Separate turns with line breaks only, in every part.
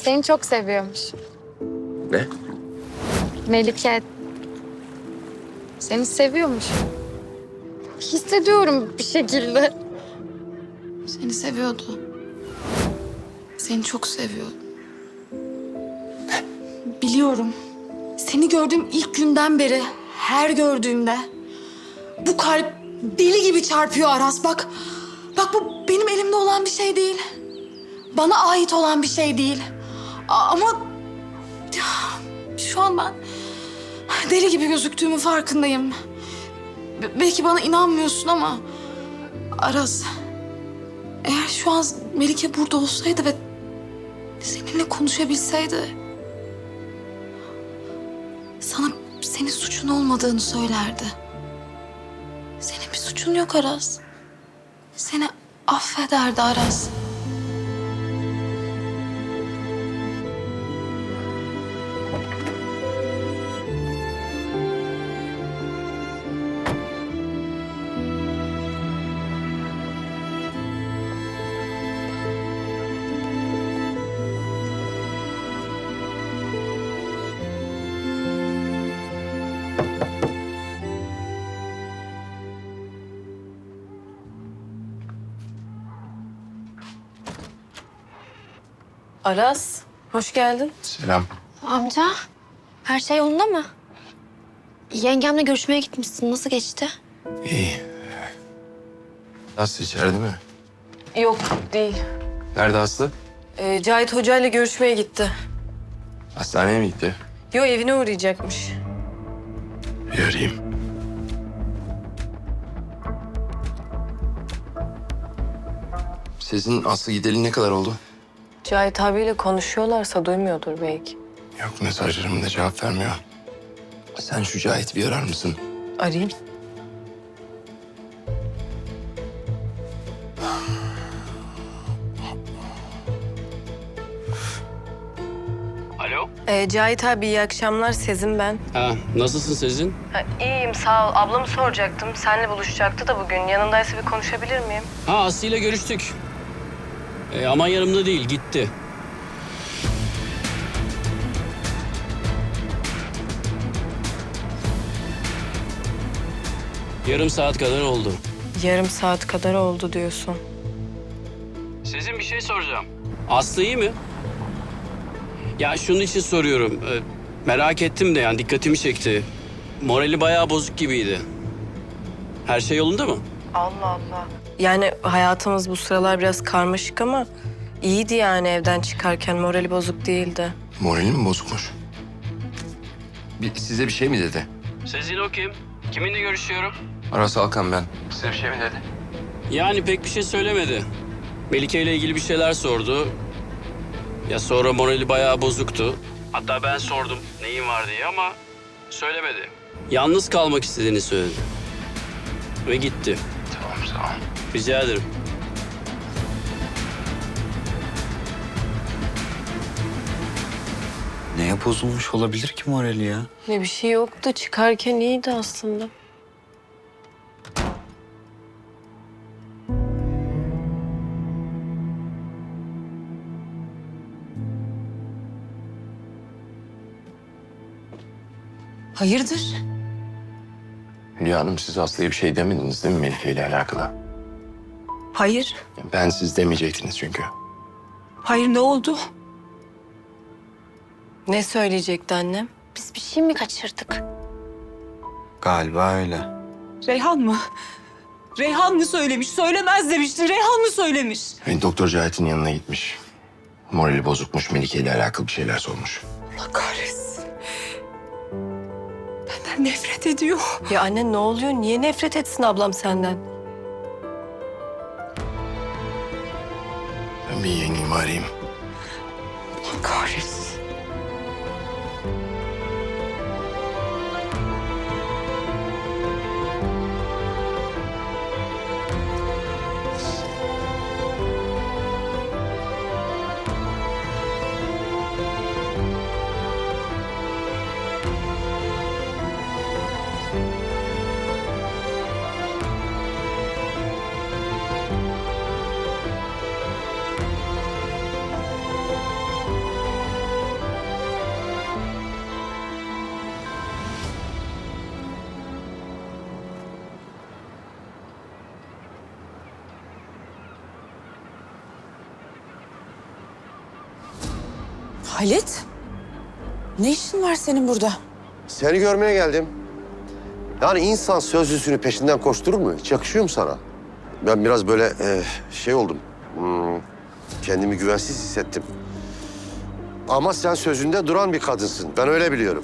Seni çok seviyormuş.
Ne?
Melike. Seni seviyormuş. Hissediyorum bir şekilde.
Seni seviyordu. Seni çok seviyordu. Biliyorum. Seni gördüğüm ilk günden beri her gördüğümde bu kalp deli gibi çarpıyor Aras. Bak bu benim elimde olan bir şey değil. Bana ait olan bir şey değil. Ama şu an ben deli gibi gözüktüğümün farkındayım. Belki bana inanmıyorsun ama Aras, eğer şu an Melike burada olsaydı ve seninle konuşabilseydi sana senin suçun olmadığını söylerdi. Senin bir suçun yok Aras. Seni affederdi Aras.
Aras, hoş geldin.
Selam.
Amca, her şey yolunda mı? Yengemle görüşmeye gitmişsin. Nasıl geçti?
İyi. Aslı içeride mi?
Yok, değil.
Nerede Aslı?
Cahit Hoca ile görüşmeye gitti.
Hastaneye mi gitti?
Yo, evine uğrayacakmış.
Bir arayayım. Sizin Aslı gideli ne kadar oldu?
Cahit abiyle konuşuyorlarsa duymuyordur belki.
Yok, mesajlarıma da cevap vermiyor. Sen şu Cahit'i bir arar mısın?
Arayayım.
Alo?
Cahit abi iyi akşamlar. Sezin ben.
Ha, nasılsın Sezin?
İyiyim sağ ol. Ablamı soracaktım. Seninle buluşacaktı da bugün. Yanındaysa bir konuşabilir miyim?
Ha, Aslı ile görüştük. Ama yanımda değil, gitti. Yarım saat kadar oldu.
Yarım saat kadar oldu diyorsun.
Sezin, bir şey soracağım. Aslı iyi mi? Ya şunun için soruyorum. Merak ettim de, yani dikkatimi çekti. Morali bayağı bozuk gibiydi. Her şey yolunda mı?
Allah Allah. Yani hayatımız bu sıralar biraz karmaşık ama iyiydi yani evden çıkarken. Morali bozuk değildi.
Morali mi bozukmuş? Size bir şey mi dedi?
Sezin o kim? Kiminle görüşüyorum?
Aras Alkan ben. Size bir şey mi dedi?
Yani pek bir şey söylemedi. Melike ile ilgili bir şeyler sordu. Ya sonra morali bayağı bozuktu. Hatta ben sordum neyin var diye ama söylemedi. Yalnız kalmak istediğini söyledi. Ve gitti.
Tamam, sağ ol.
Rica ederim.
Neye bozulmuş olabilir ki morali ya?
Ne bir şey yoktu. Çıkarken iyiydi aslında.
Hayırdır?
Hülya Hanım, siz Aslı'ya bir şey demediniz değil mi Melike ile alakalı?
Hayır.
Ben siz demeyecektiniz çünkü.
Hayır, ne oldu?
Ne söyleyecekti annem?
Biz bir şey mi kaçırdık?
Galiba öyle.
Reyhan mı? Reyhan mı söylemiş? Söylemez demiştin. Reyhan mı söylemiş?
Doktor Cahit'in yanına gitmiş. Morali bozukmuş, Melike ile alakalı bir şeyler sormuş.
Allah kahretsin. Benden nefret ediyor.
Ya anne ne oluyor? Niye nefret etsin ablam senden?
Ben bir yengemi arayayım.
Allah kahretsin.
Halit, ne işin var senin burada?
Seni görmeye geldim. Yani insan sözlüsünü peşinden koşturur mu? Hiç yakışıyor mu sana? Ben biraz böyle şey oldum. Kendimi güvensiz hissettim. Ama sen sözünde duran bir kadınsın. Ben öyle biliyorum.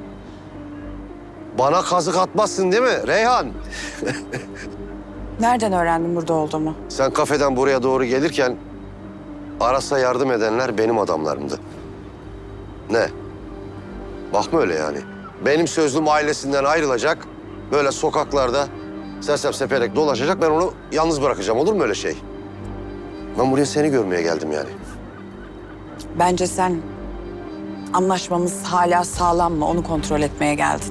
Bana kazık atmazsın değil mi Reyhan?
Nereden öğrendin burada olduğumu?
Sen kafeden buraya doğru gelirken Aras'a yardım edenler benim adamlarımdı. Ne? Bakma öyle yani. Benim sözlüm ailesinden ayrılacak. Böyle sokaklarda sersep seperek dolaşacak. Ben onu yalnız bırakacağım. Olur mu öyle şey? Ben buraya seni görmeye geldim yani.
Bence sen anlaşmamız hala sağlam mı onu kontrol etmeye geldin.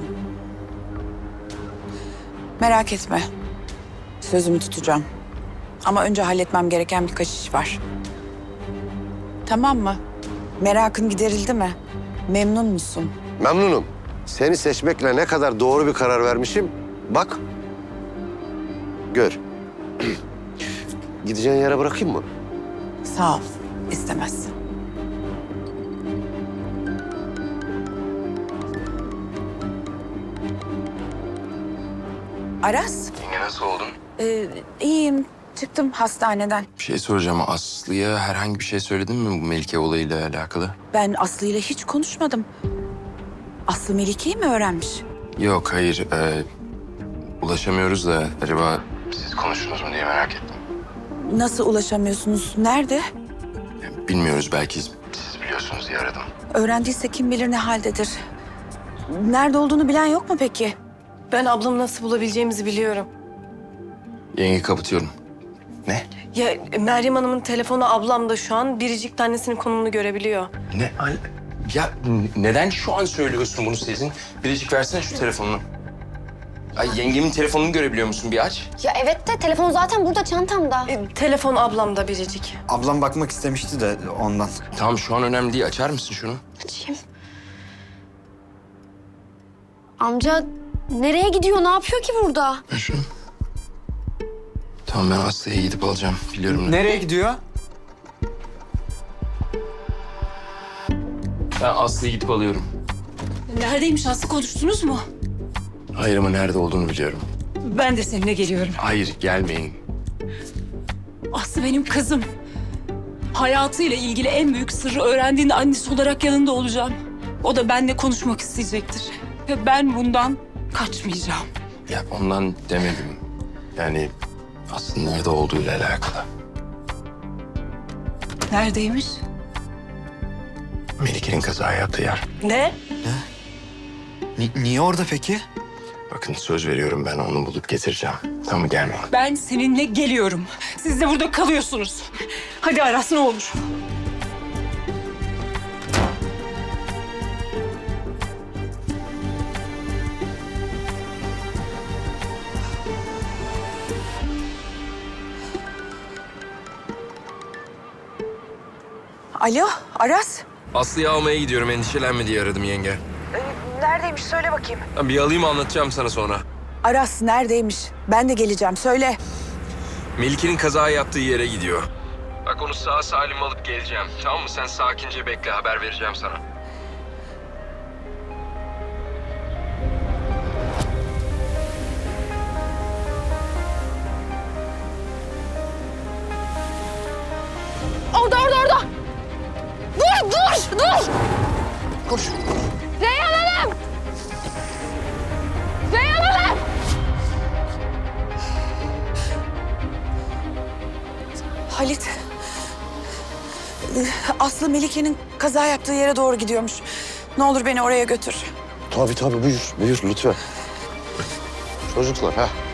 Merak etme. Sözümü tutacağım. Ama önce halletmem gereken birkaç iş var. Tamam mı? Merakın giderildi mi? Memnun musun?
Memnunum. Seni seçmekle ne kadar doğru bir karar vermişim. Bak. Gör. Gideceğin yere bırakayım mı?
Sağ ol. İstemezsin. Aras,
Yenge nasıl oldun?
iyiyim. Çıktım hastaneden.
Bir şey soracağım. Aslı'ya herhangi bir şey söyledin mi bu Melike olayıyla alakalı?
Ben Aslı ile hiç konuşmadım. Aslı Melike'yi mi öğrenmiş?
Yok, hayır. Ulaşamıyoruz da acaba siz konuştunuz mu diye merak ettim.
Nasıl ulaşamıyorsunuz? Nerede?
Bilmiyoruz, belki siz biliyorsunuz diye aradım.
Öğrendiyse kim bilir ne haldedir. Nerede olduğunu bilen yok mu peki?
Ben ablamı nasıl bulabileceğimizi biliyorum.
Yenge, kapatıyorum. Ne?
Ya Meryem Hanım'ın telefonu ablamda şu an. Biricik annesinin konumunu görebiliyor.
Ne? Ya neden şu an söylüyorsun bunu Sezin? Biricik versene şu telefonunu. Ay, yengemin telefonunu görebiliyor musun? Bir aç.
Ya evet de telefon zaten burada çantamda.
Telefon ablamda Biricik.
Ablam bakmak istemişti de ondan.
Tamam, şu an önemli değil. Açar mısın şunu?
Açayım. Amca nereye gidiyor? Ne yapıyor ki burada?
Ver şunu. Tamam, ben Aslı'ya gidip alacağım. Biliyorum.
Nereye gidiyor?
Ben Aslı'ya gidip alıyorum.
Neredeymiş Aslı, konuştunuz mu?
Hayır, ama nerede olduğunu biliyorum.
Ben de seninle geliyorum.
Hayır, gelmeyin.
Aslı benim kızım. Hayatıyla ilgili en büyük sırrı öğrendiğinde annesi olarak yanında olacağım. O da benimle konuşmak isteyecektir. Ve ben bundan kaçmayacağım.
Ya ondan demedim. Yani Aslı'nın nerede olduğuyla alakalı.
Neredeymiş?
Melike'nin kaza yaptığı yer.
Ne?
Niye orada peki?
Bakın, söz veriyorum, ben onu bulup getireceğim. Tamam mı? Gelmeyin.
Ben seninle geliyorum. Siz de burada kalıyorsunuz. Hadi Aras, ne olur.
Alo, Aras.
Aslı'yı almaya gidiyorum, endişelenme diye aradım yenge.
Neredeymiş söyle bakayım.
Bir alayım, anlatacağım sana sonra.
Aras neredeymiş? Ben de geleceğim söyle.
Melike'nin kaza yaptığı yere gidiyor. Bak, onu sağ salim alıp geleceğim. Tamam mı? Sen sakince bekle, haber vereceğim sana.
Orada. Dur.
Koş.
Reyhan Hanım! Reyhan Hanım!
Halit. Aslı Melike'nin kaza yaptığı yere doğru gidiyormuş. Ne olur beni oraya götür.
Tabii buyur lütfen. Çocuklar ha.